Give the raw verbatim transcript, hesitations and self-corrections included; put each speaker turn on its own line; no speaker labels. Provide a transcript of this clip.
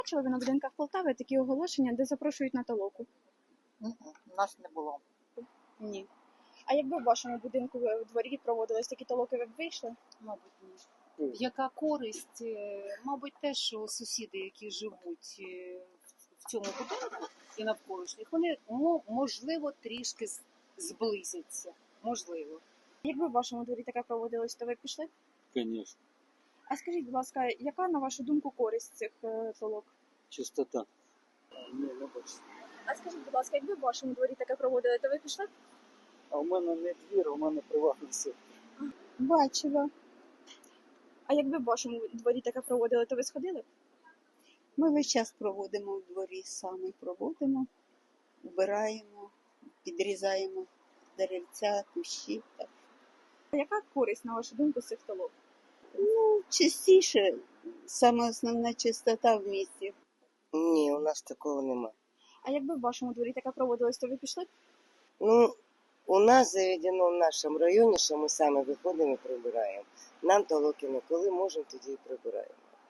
Бачили ви на будинках Полтави такі оголошення, де запрошують на толоку?
Мгм. У нас не було.
Ні. А якби в вашому будинку в дворі проводились такі толоки, ви б вийшли?
Мабуть, ні. Яка користь? Е, Мабуть, те, що сусіди, які живуть е, в цьому будинку і навколишніх, вони мо- можливо трішки з- зблизяться. Можливо.
Якби в вашому дворі таке проводилось, то ви б пішли?
Конечно.
А скажіть, будь ласка, яка, на вашу думку, користь цих е, толок?
Чистота. Ні, не бачу.
А скажіть, будь ласка, якби в вашому дворі таке проводили, то ви пішли?
А у мене не двір, у мене приватний сектор.
Бачила. А якби в вашому дворі таке проводили, то ви сходили?
Ми весь час проводимо в дворі, самі проводимо, вбираємо, підрізаємо деревця, кущі. Так.
А яка користь, на вашу думку, з цих толок?
Ну, частіше, саме основна чистота в місті.
Ні, у нас такого нема.
А якби в вашому дворі таке проводилось, то ви пішли?
Ну, у нас заведено в нашому районі, що ми самі виходимо і прибираємо. Нам толоки не коли можемо, тоді і прибираємо.